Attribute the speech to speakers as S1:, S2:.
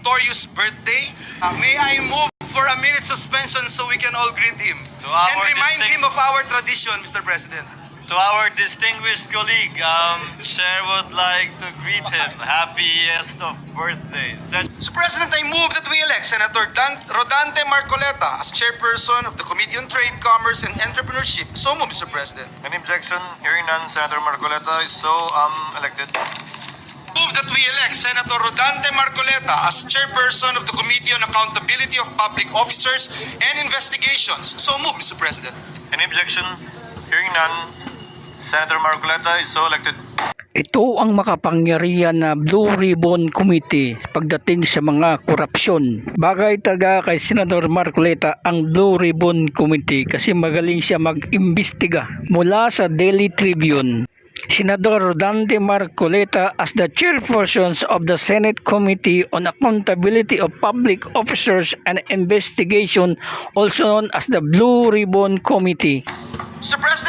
S1: notorious birthday. May I move for a minute suspension so we can all greet him and remind him of our tradition, Mr. President.
S2: To our distinguished colleague, Chair would like to greet him. Happiest of birthdays.
S1: Mr. President, I move that we elect Senator Rodante Marcoleta as chairperson of the Committee on Trade, Commerce, and Entrepreneurship. So move, Mr. President.
S2: Any objection? Hearing none, Senator Marcoleta is so elected.
S1: Move that we elect Senator Rodante Marcoleta as chairperson of the Committee on Accountability of Public Officers and Investigations. So move, Mr. President.
S2: Any objection? Hearing none, Senator Marcoleta is so elected.
S3: Ito ang makapangyarihan na Blue Ribbon Committee pagdating sa mga korupsyon. Bagay talaga kay Senator Marcoleta ang Blue Ribbon Committee kasi magaling siya mag-imbestiga. Mula sa Daily Tribune, Senador Rodante Marcoleta as the chairperson of the Senate Committee on Accountability of Public Officers and Investigation, also known as the Blue Ribbon Committee.
S1: Mr. President,